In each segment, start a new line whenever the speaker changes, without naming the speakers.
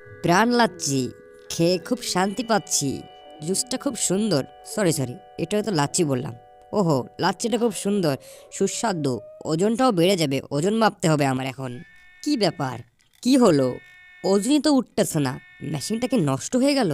প্রাণ লাচ্ছি, খেয়ে খুব শান্তি পাচ্ছি। জুসটা খুব সুন্দর। সরি সরি, এটা তো লাচ্ছি বললাম। ওহো, লাচ্ছিটা খুব সুন্দর, সুস্বাদু। ওজনটাও বেড়ে যাবে, ওজন মাপতে হবে আমার এখন। কি ব্যাপার? কি হলো? ওজনই তো উঠতেছে না। মেশিনটা কি নষ্ট হয়ে গেল?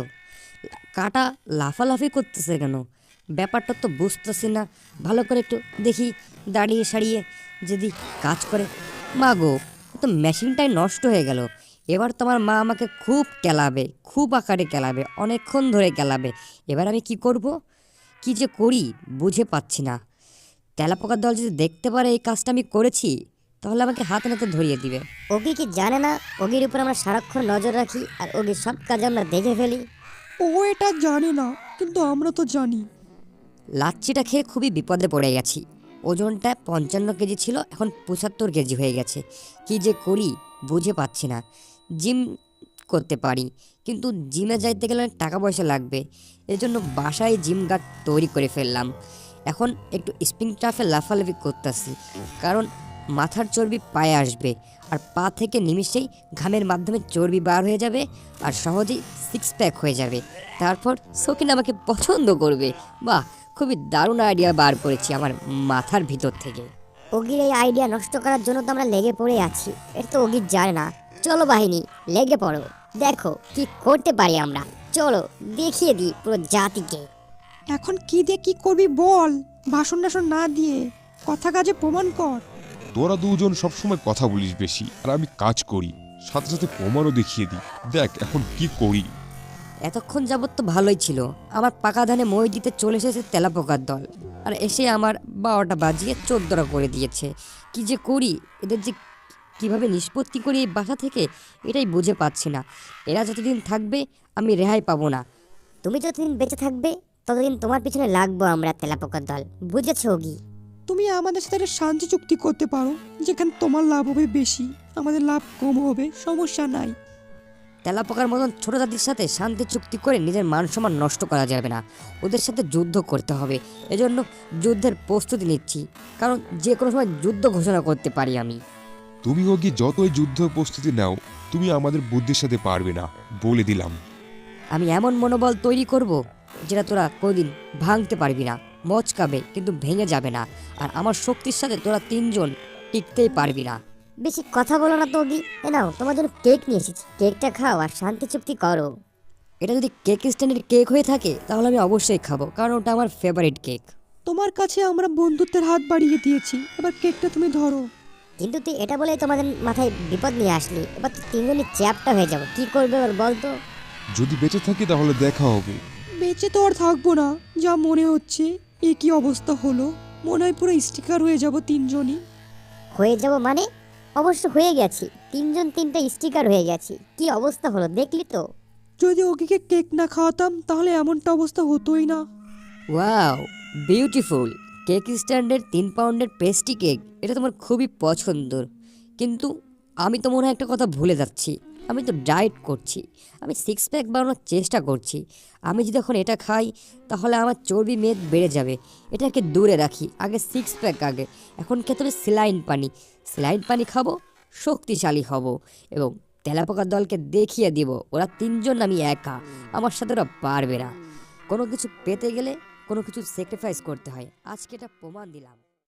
কাটা লাফালাফি করতেছে কেন? ব্যাপারটা তো বুঝতেছি না। ভালো করে একটু দেখি, দাঁড়িয়ে সারিয়ে যদি কাজ করে। মা গো, তো মেশিনটাই নষ্ট হয়ে গেল। এবার তোমার মা আমাকে খুব কেলাবে, খুব আকারে কেলাবে, অনেকক্ষণ ধরে কেলাবে। এবার আমি কি করব? কি যে করি বুঝে পাচ্ছি না। তেলাপোকার দল যদি দেখতে পারে এই কাজটা আমি করেছি, তাহলে আমাকে হাতে নাতে ধরিয়ে দিবে।
ওগি কি জানে না ওগির উপর আমরা সারাক্ষণ নজর রাখি আর ওগির সব কাজ আমরা দেখে ফেলি?
ও এটা জানে না, কিন্তু আমরা তো জানি।
লাচ্ছিটা খেয়ে খুবই বিপদে পড়ে গেছি। ওজনটা 55 কেজি ছিল, এখন 75 কেজি হয়ে গেছে। কি যে করি বুঝে পাচ্ছি না। জিম করতে পারি, কিন্তু জিমে যাইতে গেলে অনেক টাকা পয়সা লাগবে। এর জন্য বাসায় জিম গার্ড তৈরি করে ফেললাম। এখন একটু স্প্রিং টাফে লাফালাফি করতেছি, কারণ মাথার চর্বি পায়ে আসবে, আর পা থেকে নিমিষেই ঘামের মাধ্যমে চর্বি বার হয়ে যাবে, আর সহজেই সিক্স প্যাক হয়ে যাবে। তারপর সকিন আমাকে পছন্দ করবে। বাহ, খুবই দারুণ আইডিয়া বার করেছি আমার মাথার ভিতর থেকে।
ওগির এই আইডিয়া নষ্ট করার জন্য তো আমরা লেগে পড়ে আছি। এটা তো ওগির জানে না। চলো বাহিনী, লেগে পড়ো, দেখো কি করতে পারি আমরা। চলো দেখিয়ে দিই পুরো জাতিকে।
এখন কি দিয়ে কি করবি বল, ভাষণ টাষণ না দিয়ে কথা কাজে প্রমাণ কর।
তোরা দুজন সবসময় কথা বলিস বেশি, আর আমি কাজ করি, সাথে সাথে প্রমাণও দেখিয়ে দিই। দেখ এখন কি করি।
এতক্ষণ যাবৎ তো ভালোই ছিল। আমার পাকা ধানে মই দিতে চলে এসেছে তেলাপোকার দল, আর এসে আমার 12টা বাজিয়ে 14টা করে দিয়েছে। কি যে করি, এদের যে কিভাবে নিষ্পত্তি করি এই বাসা থেকে, এটাই বুঝে পাচ্ছি না। এরা যতদিন থাকবে আমি রেহাই পাবো না।
তুমি যতদিন বেঁচে থাকবে ততদিন তোমার পিছনে লাগবো আমরা, তেলাপোকার দল। বুঝেছো ওগি?
তুমি আমাদের সাথে একটা শান্তি চুক্তি করতে পারো, যেখানে তোমার লাভ হবে বেশি, আমাদের লাভ কম হবে, সমস্যা নাই।
তেলাপোকার মতন ছোট জাতির সাথে শান্তি চুক্তি করে নিজের মান সম্মান নষ্ট করা যাবে না। ওদের সাথে যুদ্ধ করতে হবে। এজন্য যুদ্ধের প্রস্তুতি নিচ্ছি, কারণ যে কোনো সময় যুদ্ধ ঘোষণা করতে পারি আমি।
তুমি ওকে যতই যুদ্ধ প্রস্তুতি নাও, তুমি আমাদের বুদ্ধির সাথে পারবে না, বলে দিলাম।
আমি এমন মনোবল তৈরি করব যেটা তোরা কোনোদিন ভাঙতে পারবি না। মচকাবে কিন্তু ভেঙে যাবে না, আর আমার শক্তির সাথে তোরা তিনজন টিকতেই পারবি না।
বেশি কথা বলো না তো ওগি। এ নাও, তোমার জন্য কেক নিয়ে এসেছি, কেকটা খাও আর শান্তি চুক্তি করো।
এটা যদি কেক স্ট্যান্ডের কেক হয়ে থাকে তাহলে আমি অবশ্যই খাবো, কারণ ওটা আমার ফেভারিট কেক।
তোমার কাছে আমরা বন্ধুত্বের হাত বাড়িয়ে দিয়েছি, এবার কেকটা তুমি ধরো।
কিন্তু তুই এটা বলেই তোমাদের মাথায় বিপদ নিয়ে আসলি। এবার তো তিনজনই চ্যাপটা হয়ে যাবো। কি করবে এবার বল তো?
যদি বেঁচে থাকি তাহলে দেখা হবে।
বেঁচে তো আর থাকবো না, যা মনে হচ্ছে। এ কি অবস্থা হলো, মনে হয় পুরো স্টিকার হয়ে যাব তিনজনই।
হয়ে যাব মানে? অবশ্য হয়ে গেছি, তিনজন তিনটা স্টিকার হয়ে গেছি। কি অবস্থা হলো দেখলি তো?
যদি ওকে কেক না খাওয়াতাম তাহলে এমনটা অবস্থা হতোই না।
Wow, beautiful. কেক স্ট্যান্ডের 3 পাউন্ডের পেস্ট্রি কেক, এটা তোমার খুবই পছন্দর। কিন্তু আমি তো মনে হয় একটা কথা ভুলে যাচ্ছি। আমি তো ডায়েট করছি, আমি সিক্স প্যাক বানানোর চেষ্টা করছি। আমি যদি এখন এটা খাই তাহলে আমার চর্বি মেদ বেড়ে যাবে। এটাকে দূরে রাখি, আগে সিক্স প্যাক আগে। এখন খেতে হবে স্যালাইন পানি। স্যালাইন পানি খাবো, শক্তিশালী হব, এবং তেলাপোকার দলকে দেখিয়ে দিব ওরা তিনজন আমি একা, আমার সাথে ওরা পারবে না। কোনো কিছু পেতে গেলে কোনো কিছু স্যাক্রিফাইস করতে হয়। আজকে এটা প্রমাণ দিলাম।